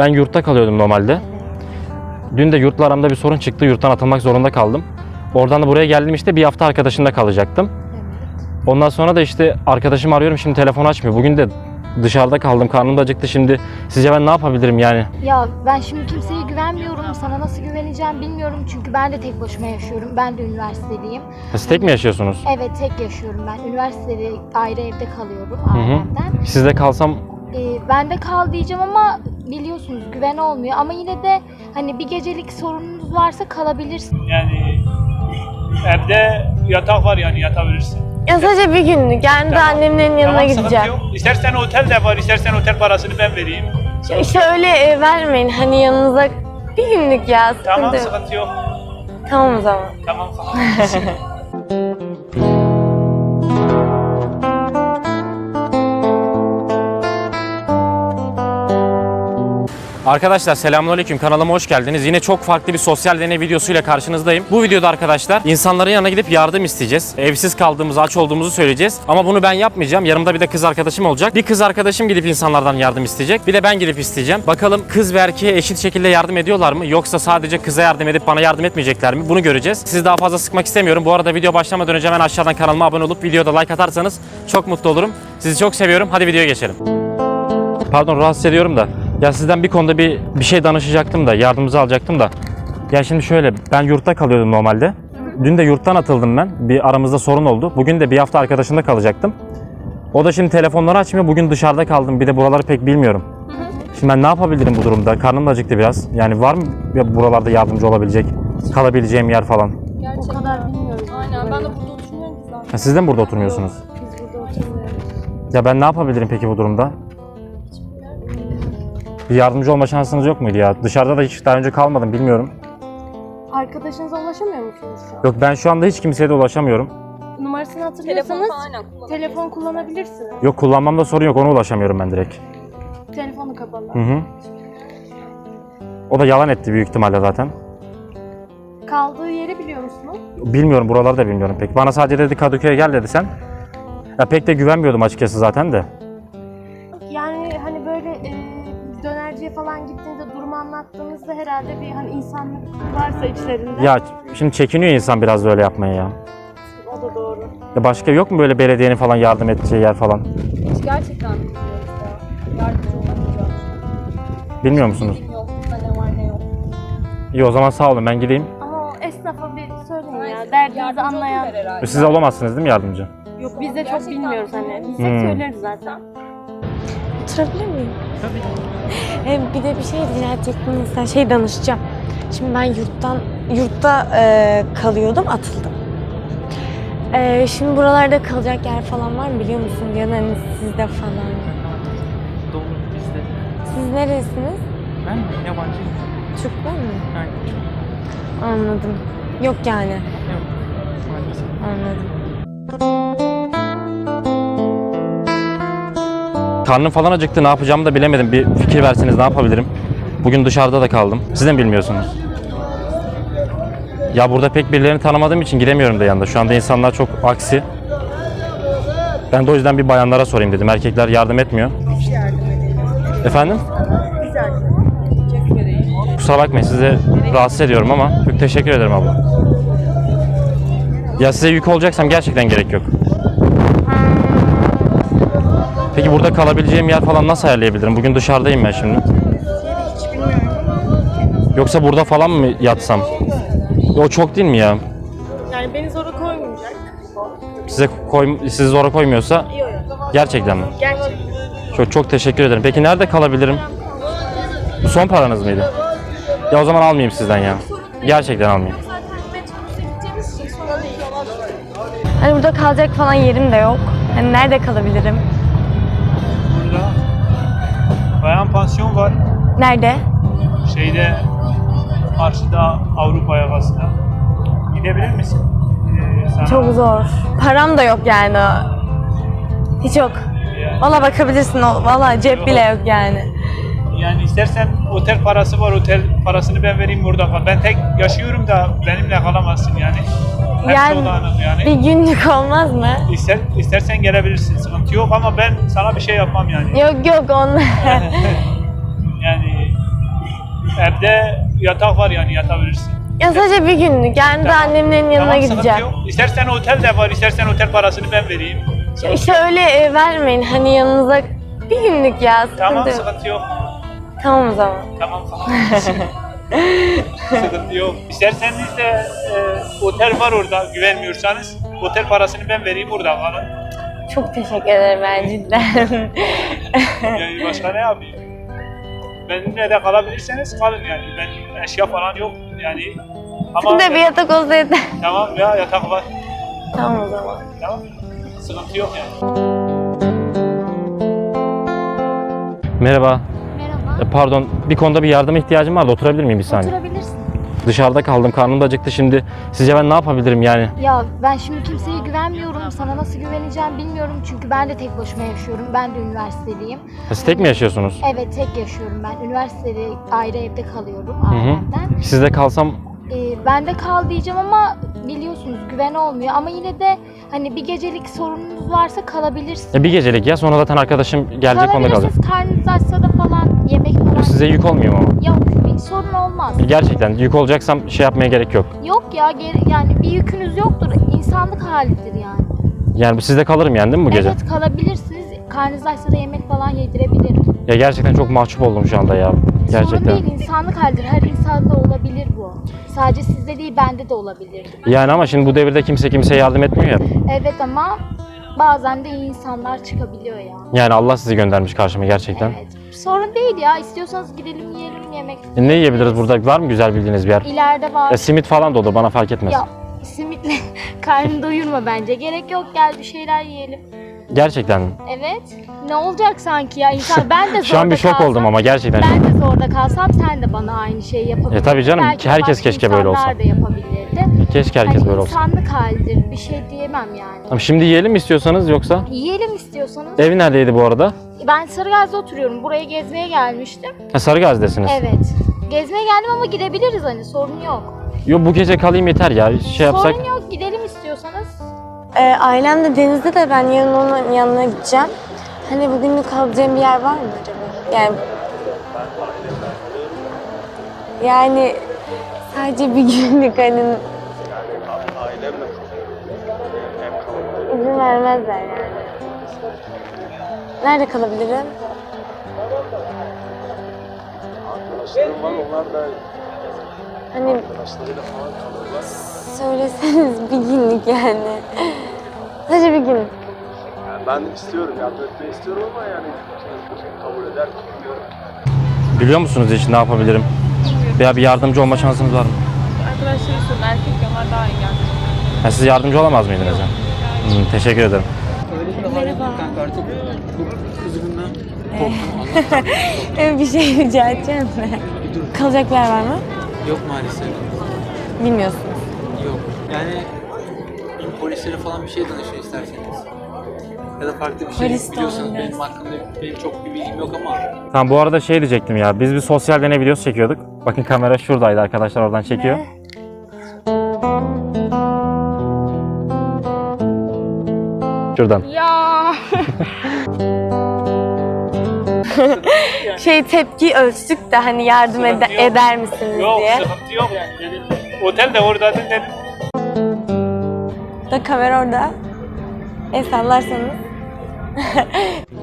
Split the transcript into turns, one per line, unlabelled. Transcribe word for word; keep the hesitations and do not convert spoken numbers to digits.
Ben yurtta kalıyordum normalde. Dün de yurtla aramda bir sorun çıktı. Yurttan atılmak zorunda kaldım. Oradan da buraya geldim işte bir hafta arkadaşımda kalacaktım. Ondan sonra da işte arkadaşımı arıyorum, şimdi telefonu açmıyor. Bugün de dışarıda kaldım, karnım da acıktı şimdi. Sizce ben ne yapabilirim yani?
Ya ben şimdi kimseye güvenmiyorum. Sana nasıl güveneceğim bilmiyorum. Çünkü ben de tek başıma yaşıyorum. Ben de üniversitedeyim.
Siz tek mi yaşıyorsunuz?
Evet, tek yaşıyorum ben. Üniversitede ayrı evde kalıyorum
Hı hı.
ailemden.
Sizde kalsam
Ee, ben de kal diyeceğim ama biliyorsunuz güven olmuyor. Ama yine de hani bir gecelik sorununuz varsa kalabilirsin.
Yani evde yatak var, yani yatabilirsin.
Ya sadece bir günlük. Yani de annemlerin yanına
Tamam, sıkıntı
gideceğim.
yok. İstersen otel de var, istersen otel parasını ben vereyim.
Ya İşte öyle e, vermeyin. Hani yanınıza bir günlük ya. Sıkıntı
Tamam,
yok.
sıkıntı yok.
Tamam o zaman.
Tamam.
Arkadaşlar selamünaleyküm, kanalıma hoş geldiniz. Yine çok farklı bir sosyal deney videosuyla karşınızdayım. Bu videoda arkadaşlar insanların yanına gidip yardım isteyeceğiz. Evsiz kaldığımızı, aç olduğumuzu söyleyeceğiz. Ama bunu ben yapmayacağım. Yanımda bir de kız arkadaşım olacak. Bir kız arkadaşım gidip insanlardan yardım isteyecek. Bir de ben gidip isteyeceğim. Bakalım kız ve erkeğe eşit şekilde yardım ediyorlar mı? Yoksa sadece kıza yardım edip bana yardım etmeyecekler mi? Bunu göreceğiz. Sizi daha fazla sıkmak istemiyorum. Bu arada video başlamadan önce hemen aşağıdan kanalıma abone olup videoda like atarsanız çok mutlu olurum. Sizi çok seviyorum. Hadi videoya geçelim. Pardon, rahatsız ediyorum da. Ya sizden bir konuda bir bir şey danışacaktım da, yardımınızı alacaktım da. Ya şimdi şöyle, ben yurtta kalıyordum normalde. Dün de yurttan atıldım ben. Bir aramızda sorun oldu. Bugün de bir hafta arkadaşımda kalacaktım. O da şimdi telefonları açmıyor. Bugün dışarıda kaldım. Bir de buraları pek bilmiyorum. Şimdi ben ne yapabilirim bu durumda? Karnım da acıktı biraz. Yani var mı ya buralarda yardımcı olabilecek, kalabileceğim yer falan?
Gerçekten. O kadar bilmiyoruz. Aynen, ben de burada oturmuyorum ki zaten.
Ha, siz de mi burada oturmuyorsunuz?
Biz burada oturmuyoruz.
Ya ben ne yapabilirim peki bu durumda? Bir yardımcı olma şansınız yok muydu ya? Dışarıda da hiç daha önce kalmadım, bilmiyorum.
Arkadaşınıza ulaşamıyor musunuz şu an?
Yok, ben şu anda hiç kimseye de ulaşamıyorum.
Numarasını hatırlıyorsanız telefon kullanabilirsiniz.
Yok, kullanmamda sorun yok, ona ulaşamıyorum ben direkt.
Telefonu kapalı.
Hı hı. O da yalan etti büyük ihtimalle zaten.
Kaldığı yeri biliyor musunuz?
Bilmiyorum, buraları da bilmiyorum pek. Bana sadece dedi Kadıköy'e gel dedi sen. Ya pek de güvenmiyordum açıkçası zaten de.
Yani hani böyle e, dönerciye falan gittiğinizde durumu anlattığınızda herhalde bir hani insanlık varsa içlerinde.
Ya şimdi çekiniyor insan biraz da öyle yapmaya ya.
O da doğru.
Ya başka yok mu böyle belediyenin falan yardım edeceği yer falan?
Hiç gerçekten bilmiyoruz ya. Yardımcı olamayacağım.
Bilmiyor musunuz?
Yok, ne var ne yok.
İyi, o zaman sağ olun, ben gideyim.
Ama o esnafa bir söyleyin ya. Derdinizi anlayan.
Siz olamazsınız değil mi yardımcı?
Yok, biz de çok
Gerçekten
bilmiyoruz hani. Biz
Hmm.
de söyleriz zaten.
Oturabilir miyim? Tabii. E, bir de bir şey rica edecektim. Mesela şey danışacağım. Şimdi ben yurttan yurtta e, kalıyordum, atıldım. E, şimdi buralarda kalacak yer falan var mı biliyor musun? Ya da hani sizde falan.
Dolu bizde.
Siz neresiniz?
Ben yabancıyım.
Türkler mi?
Aynen.
Anladım. Yok yani.
Yok. Maalesef.
Anladım.
Karnım falan acıktı, ne yapacağımı da bilemedim. Bir fikir verseniz ne yapabilirim? Bugün dışarıda da kaldım. Siz de mi bilmiyorsunuz? Ya burada pek birilerini tanımadığım için gidemiyorum da yanında. Şu anda insanlar çok aksi. Ben de o yüzden bir bayanlara sorayım dedim. Erkekler yardım etmiyor. Efendim? Kusura bakmayın, sizi rahatsız ediyorum ama çok teşekkür ederim abla. Ya size yük olacaksam gerçekten gerek yok. Peki burada kalabileceğim yer falan nasıl ayarlayabilirim? Bugün dışarıdayım ben şimdi. Yoksa burada falan mı yatsam? O çok değil mi ya?
Yani beni zora koymayacak.
Size koy, sizi zora koymuyorsa
Yok yok.
gerçekten mi?
Gerçekten.
Çok çok teşekkür ederim. Peki nerede kalabilirim? Bu son paranız mıydı? Ya o zaman almayayım sizden ya. Gerçekten almayayım.
Hani burada kalacak falan yerim de yok. Hani nerede kalabilirim?
Burada bayan pansiyon var.
Nerede?
Şeyde, karşıda Avrupa yakasında. Gidebilir misin? Ee, sana
Çok zor. Param da yok yani. Hiç yok.
Yani,
Valla bakabilirsin. Valla cep bile yok yani.
yani istersen otel parası var, otel parasını ben vereyim burada kal. Ben tek yaşıyorum da benimle kalamazsın yani. Hepsi
Yani
o dağınık yani.
bir günlük olmaz mı?
İster, istersen gelebilirsin, sıkıntı yok ama ben sana bir şey yapmam yani.
Yok yok onlar.
Yani Evde yatak var yani yatabilirsin.
Ya sadece bir günlük. Yani de annemlerin yanına
Tamam, sıkıntı
gideceğim.
yok. İstersen otel de var, istersen otel parasını ben vereyim. Sıkıntı
İşte
yok.
öyle e, vermeyin. Hani yanınıza bir günlük ya. Sıkıntı
Tamam,
yok.
sıkıntı yok.
Tamam o zaman.
Tamam. Sıkıntı yok. İsterseniz de e, otel var orada güvenmiyorsanız. Otel parasını ben vereyim, orada kalın.
Çok teşekkür ederim ben cidden.
Yani başka ne yapayım? Benimle de kalabilirseniz kalın yani. Ben eşya falan yok yani. Ama
Şimdi bir yatak olsa yeter.
tamam ya, yatak var.
Tamam o zaman.
Tamam. Sıkıntı yok yani.
Merhaba.
Merhaba.
E, Pardon, bir konuda bir yardıma ihtiyacım vardı. Oturabilir miyim bir saniye?
Oturabilirsin.
Dışarıda kaldım, karnım da acıktı şimdi. Sizce ben ne yapabilirim yani?
Ya ben şimdi kimseye güvenmiyorum. Sana nasıl güveneceğim bilmiyorum. Çünkü ben de tek başıma yaşıyorum. Ben de üniversiteliyim.
Siz tek mi yaşıyorsunuz?
Evet, tek yaşıyorum ben. Üniversitede ayrı evde kalıyorum
Hı hı.
ailemden.
Sizde kalsam
Ee, ben de kal diyeceğim ama biliyorsunuz güven olmuyor. Ama yine de hani bir gecelik sorununuz varsa kalabilirsiniz.
e, bir gecelik ya, sonra zaten arkadaşım gelecek, onda kalacak.
Kalabilirsiniz. Karnınız açsa da falan yemek falan.
Size yük olmuyor mu ama?
Yok, bir sorun olmaz.
E, Gerçekten yük olacaksam şey yapmaya gerek yok.
Yok ya, geri, yani bir yükünüz yoktur. İnsanlık halidir yani.
Yani sizde kalırım yani değil mi bu gece?
Evet, kalabilirsiniz. Karnınız açsa da yemek falan yedirebilirim.
Ya gerçekten çok mahcup oldum şu anda ya.
Sorun
Gerçekten.
değil, insanlık halidir. Her insanda olabilir bu. Sadece sizde değil, bende de olabilir.
Yani ama şimdi bu devirde kimse kimseye yardım etmiyor ya.
Evet ama bazen de iyi insanlar çıkabiliyor ya.
Yani Allah sizi göndermiş karşıma gerçekten.
Evet. Sorun değil ya. İstiyorsanız gidelim yiyelim yemek.
E, ne yiyebiliriz burada? Var mı güzel bildiğiniz bir yer?
İleride var.
E, simit falan da olur, bana fark etmez.
Ya simitle karnını doyurma bence. Gerek yok, gel bir şeyler yiyelim.
Gerçekten mi?
Evet. Ne olacak sanki ya insan, ben de zorda
Şu an bir şok
kalsam,
oldum ama gerçekten.
ben de zorda kalsam sen de bana aynı şeyi yapabilirdin.
E, tabii canım,
Belki
herkes
başka
keşke böyle olsa.
insanlar da yapabilirdi.
Keşke herkes
Hani
böyle olsa.
insanlık halidir. Bir şey diyemem yani.
Tamam, şimdi yiyelim mi istiyorsanız yoksa?
Yiyelim istiyorsanız.
Ev neredeydi bu arada?
Ben Sarıgaz'da oturuyorum. Buraya gezmeye gelmiştim.
Ha, Sarıgazi'desiniz.
Evet. Gezmeye geldim ama gidebiliriz, hani sorun yok.
Yo, bu gece kalayım yeter ya. Şey yapsak.
Sorun yok, gidelim istiyorsanız.
Ee, ailem de denizde de ben yarın onun yanına gideceğim. Hani bugünlük kalacağım bir yer var mı acaba? Yani yani sadece bir günlük hani izin vermezler yani. Nerede kalabilirim? Hani söyleseniz bir günlük yani. Sadece bir gün.
Yani ben istiyorum, yardım etmeyi istiyorum ama yani kabul eder mi bilmiyorum.
Biliyor musunuz hiç ne yapabilirim? Veya bir yardımcı olma şansınız var mı?
Arkadaşları sorun, erkek onlar daha iyi geldi.
Ha, siz yardımcı olamaz mıydınız ya? Hmm, teşekkür ederim.
Merhaba. Kanka artık çok kızgınla korktum.
Evet, bir şey rica edeceğim de. Kalacak bir yer var mı?
Yok maalesef.
Bilmiyorsunuz.
Yok. Yani polislere falan bir şey danışın isterseniz. Ya da farklı bir şey
Polis de
biliyorsanız
olabilir.
benim hakkında benim çok bir bilgim yok ama
Tamam, bu arada şey diyecektim ya. Biz bir sosyal deney videosu çekiyorduk. Bakın kamera şuradaydı arkadaşlar, oradan çekiyor. Şuradan.
Ya.
Şey tepki ölçtük de hani yardım ede-
Sıkıntı yok.
eder misiniz
Yok,
diye.
sıkıntı yok yani. Dedim, otel de orada dedim.
Da kamera orada. El sallarsanız.